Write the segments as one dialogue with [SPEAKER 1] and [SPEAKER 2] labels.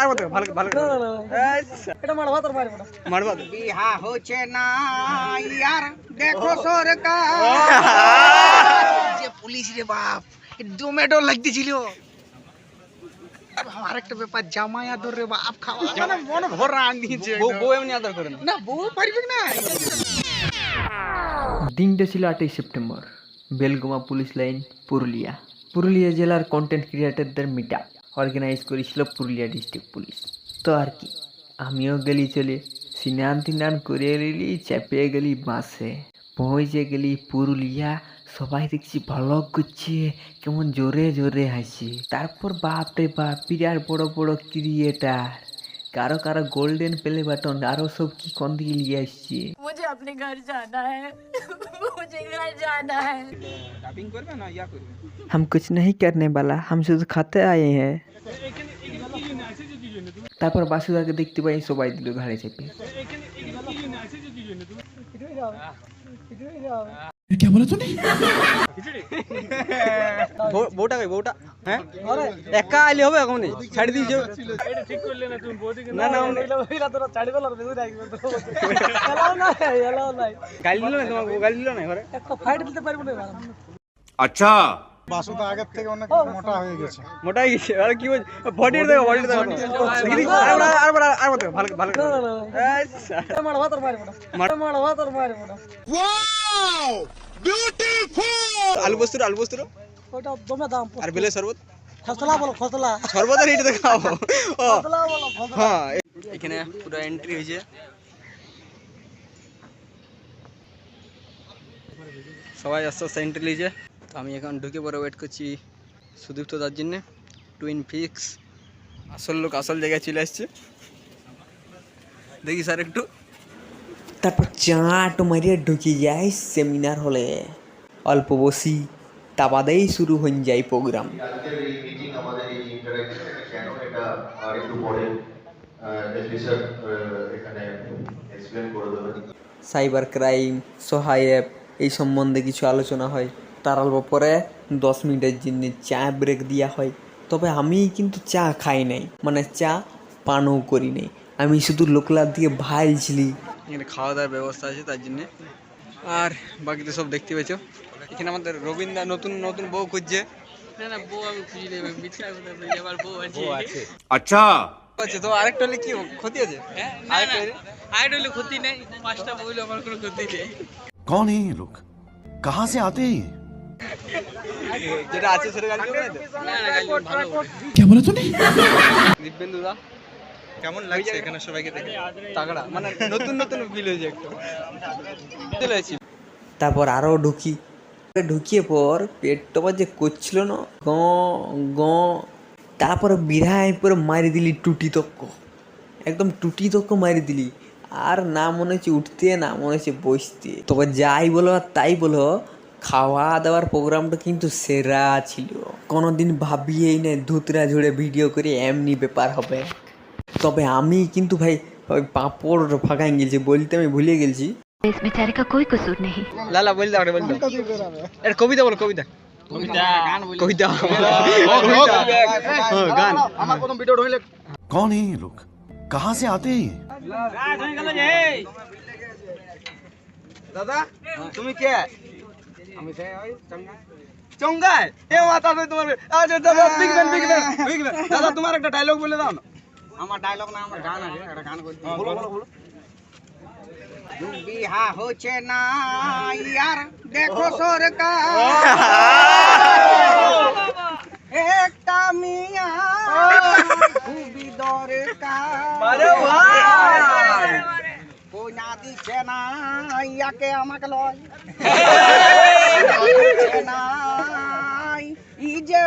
[SPEAKER 1] আর বলতে ভালো ভালো
[SPEAKER 2] এটা মারবা তোর মারবা
[SPEAKER 1] মারবা
[SPEAKER 2] বিহা হচ্ছে না ইয়ার দেখো সরকার যে পুলিশ রে বাপ ডোমেটো লাগতেছিল আমার একটা ব্যাপার জামাই আদর রে বাপ খাওয়া মানে মন ভরা আনিছে
[SPEAKER 1] বউ এমনি আদর করে
[SPEAKER 2] না বউ পারবে না।
[SPEAKER 3] দিনটা ছিল 8ই September, Belguma police line, Purulia. Purulia জেলার কন্টেন্ট ক্রিয়েটারদের মিট আপ অর্গানাইজ করেছিল পুরুলিয়া ডিস্ট্রিক্ট পুলিশ। তো আর কি, আমিও গেলি চলে স্নান তিনান করে এলি, চেপে গেলি বাসে, পৌঁছে গেলি পুরুলিয়া। সবাই দেখছি ভ্লগ করছে, কেমন জোরে জোরে হাসি। তারপর বাপরে বাপ, বিরাট বড় বড় ক্রিয়েটার, কারো কারো গোল্ডেন প্লে বাটন, আরো সব কি কোন দিকে নিয়ে আসছে।
[SPEAKER 4] मुझे अपने घर जाना है मुझे घर जाना है।
[SPEAKER 1] টাপিং করবে না ইয়া করবে
[SPEAKER 3] हम कुछ नहीं करने वाला, हम শুধু খাতে आए हैं। তারপর বাসুদাকে দেখতে পাই, সবাই দিল ঘাড়ে চেপে।
[SPEAKER 5] क्या बोला तूने?
[SPEAKER 1] বউটা কই বউটা হ্যাঁ একা আইলে হবে এখন ছাড়ি দিয়েছো এটা ঠিক করলে না তুমি বউদিকে না না ওইলা তোরা ছাড়ি দিল আর বেদুই রাখবে তো এলাও না গালি দিল না তোমাকে গালি দিল না ঘরে
[SPEAKER 2] একটা ফাইট দিতে পারবো না
[SPEAKER 5] अच्छा
[SPEAKER 6] বাসুদা আগের থেকে অনেক মোটা হয়ে গেছে।
[SPEAKER 1] মোটা হয়ে গেছে আর কি বডির দেখো আর বলতে ভালো ভালো
[SPEAKER 2] এটা মারবা তোর মারবা তোর মারবা
[SPEAKER 5] वाओ ब्यूटीफुल
[SPEAKER 1] আলু বস্তুর
[SPEAKER 2] ওটা দমে দাম
[SPEAKER 1] আর বেলে শরবত
[SPEAKER 2] খসলা বলো খসলা
[SPEAKER 1] শরবতের হিট দেখাও ও
[SPEAKER 2] খসলা বলো খসলা।
[SPEAKER 1] হ্যাঁ এখানে পুরো এন্ট্রি হয়েছে, সবাই আস্তে আস্তে এন্ট্রি লিয়েছে। তো আমি এখন ঢুকে পরে ওয়েট করছি সুদীপ্ত তার জন্যে। টুইন ফিক্স আসল লোক আসল জায়গায় চলে আসছে, দেখি স্যার একটু।
[SPEAKER 3] তারপর চাট মারিয়ে ঢুকে যাই সেমিনার হলে, অল্প বসি, তা বাদেই শুরু হয়ে যায় প্রোগ্রাম।
[SPEAKER 7] আজকের এই মিটিং আমাদের এই ইন্টারঅ্যাকশন এটা কেন এটা আর একটু পরে এসপি স্যার এখানে এক্সপ্লেন করে দেবেন।
[SPEAKER 3] সাইবার ক্রাইম, সহায়ক, এই সম্বন্ধে কিছু আলোচনা হয়। তার অল্প পরে 10 মিনিটের জন্য চা ব্রেক দেওয়া হয়। তবে আমি কিন্তু চা খাই নাই, মানে চা পানও করি নাই, আমি শুধু লোকলার দিকে ভাইলছিলি।
[SPEAKER 1] এখানে খাওয়া দাওয়ার ব্যবস্থা আছে তার জন্যে, আর বাকি তো সব দেখতে পেয়েছো। এখানে আমাদের রবীন্দ্র নতুন নতুন বউ খুঁজছে।
[SPEAKER 2] না না বউ আমি খুঁজি নেই মিথ্যা কথা বলি আমার বউ আছে
[SPEAKER 5] अच्छा
[SPEAKER 1] আচ্ছা তো আরেকটা হলে কি ক্ষতি আছে?
[SPEAKER 2] আইডল ক্ষতি নেই, পাঁচটা বইলে আমার কোনো ক্ষতি নেই।
[SPEAKER 5] कौन है ये लोग, कहाँ से आते हैं ये?
[SPEAKER 1] যেটা আছে সেটা গালি করবে না তো?
[SPEAKER 2] না না ভালো
[SPEAKER 5] क्या बोला तूने?
[SPEAKER 1] দিব্যেন্দু দা কেমন লাগছে এখানে সবাইকে দেখে? তাগড়া মানে নতুন নতুন ফিল হয়েছে একটু। চলে আসি
[SPEAKER 3] তারপর আরও ঢুকিয়ে পর পেটটা যে করছিল না গ গ, তারপরে বিড়ায় পরে মারি দিলি টুটি তক্ক, একদম টুটি তক্ক মারি দিলি। আর না মনে হচ্ছে উঠতে, না মনে হচ্ছে বসতে। তবে যাই বলো আর তাই বলো, খাওয়া দাওয়ার প্রোগ্রামটা কিন্তু সেরা ছিল। কোনোদিন ভাবিয়েই না ধুতরা ঝুড়ে ভিডিও করে এমনি ব্যাপার হবে। তবে আমি কিন্তু ভাই ওই পাঁপড় ফাঁকাই গেছি, বলতে আমি ভুলে গেছি।
[SPEAKER 4] इस बेचारे का कोई कसूर नहीं।
[SPEAKER 1] লালা বল দাও বল দাও এর কবিতা বল কবিতা
[SPEAKER 2] গান বলি
[SPEAKER 1] কবিতা গান
[SPEAKER 2] আমার প্রথম ভিডিও হইলে
[SPEAKER 5] कौन है ये लोग, कहाँ से आते हैं ये?
[SPEAKER 1] দাদা তুমি কে? আমি চঙ্গাই এ মাথা নয় তোমার। আচ্ছা দাদা বিগ ম্যান দাদা তোমার একটা ডায়লগ বলে দাও না।
[SPEAKER 2] আমার ডায়লগ না আমার গান আছে, একটা গান বলি বলো বিহা হচ্ছে না ইয়ার দেখো সরকার একটা মিয়া খুবই দরকার কইনা দিচ্ছে না ইয়াকে আমাকে লয় দিচ্ছে না ই যে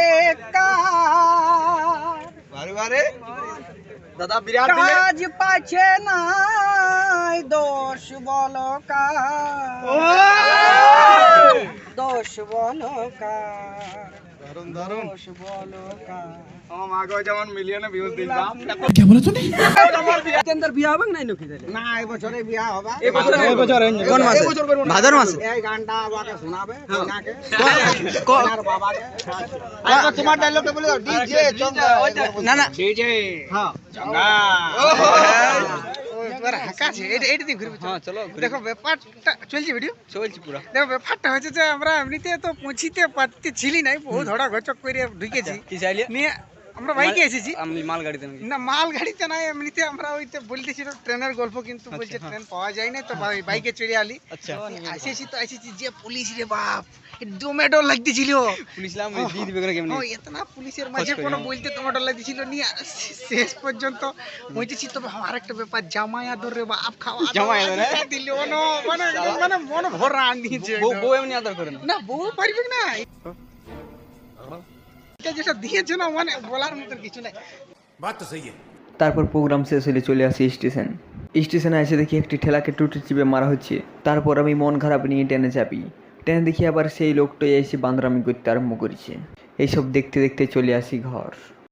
[SPEAKER 2] বেকার
[SPEAKER 1] বারে দাদা বিরাট দিলে
[SPEAKER 2] কাজ পাচ্ছে না দোষ বলো কার দোষ বলো কার
[SPEAKER 6] দারুন দারুন আমার মাকে যেমন মিলিয়নে ভিউজ দিলাম
[SPEAKER 5] क्या बोला तूने
[SPEAKER 1] কেন্দ্র বিয়া হবে না নকি
[SPEAKER 6] না এই বছরে বিয়া হবে
[SPEAKER 1] এই বছর কোন মাসে ভাদর মাসে
[SPEAKER 6] এই গানটা বাবাকে শোনাবে ওনাকে
[SPEAKER 1] ক-
[SPEAKER 6] আর বাবাকে আচ্ছা তোমার ডায়লগটা বলে দাও ডিজে চঙ্গা
[SPEAKER 1] না না
[SPEAKER 6] ডিজে হ্যাঁ চঙ্গা এবার হাকাছে এইটা দিয়ে ঘুরবে
[SPEAKER 1] হ্যাঁ চলো
[SPEAKER 6] দেখো ব্যাপারটা চলছে ভিডিও
[SPEAKER 1] চলছি পুরো
[SPEAKER 6] দেখো ব্যাপারটা হচ্ছে যে আমরা এমনিতে তো পৌঁছিতে পারতেছিলি নাই বহু ধরা গচক করে ঢুকেছি
[SPEAKER 1] কি চাইলে
[SPEAKER 6] নিয়ে আমরা বাইকে এসেছি
[SPEAKER 1] আমি মাল গাড়িতে নাকি
[SPEAKER 6] না মাল গাড়িতে নাই এমনিতে আমরা ওইতে বলতেছিল ট্রেনের গল্প কিন্তু বলছে ট্রেন পাওয়া যায় না তো বাইকে চড়ে আলি
[SPEAKER 1] আচ্ছা
[SPEAKER 6] এসেছি যে পুলিশ রে বাপ দমে ডর লাগতেছিল
[SPEAKER 1] পুলিশ লাম দিয়ে দিবে করে কেমনি
[SPEAKER 6] ও এতনা পুলিশের মাঝে কোনো বলতে তোমার ডর লাগতেছিল নিয়ে শেষ পর্যন্ত বলতেছি তবে আমার একটা ব্যাপার জামাই আদর রে বাপ খাওয়া
[SPEAKER 1] জামাই আদর, হ্যাঁ?
[SPEAKER 6] দিল মানে মানে মন ভরা আনিয়েছে
[SPEAKER 1] বউ এমনি আদর করে না
[SPEAKER 6] না বউ পারবে না এটা যেটা দিয়েছে না মানে বলার মতন কিছু নাই
[SPEAKER 5] बात तो सही है
[SPEAKER 3] তারপর প্রোগ্রাম শেষ হলে চলে আসি স্টেশনে এসে দেখি একটি ঠেলাকে টুটি চিপে মারা হচ্ছে। তারপর আমি মন খারাপ নিয়ে ট্রেনে চাপি। ট্রেনে দেখি আবার সেই লোকটাই এসে বান্দরামি করতে আরম্ভ করেছে। এইসব দেখতে দেখতে চলে আসি ঘর।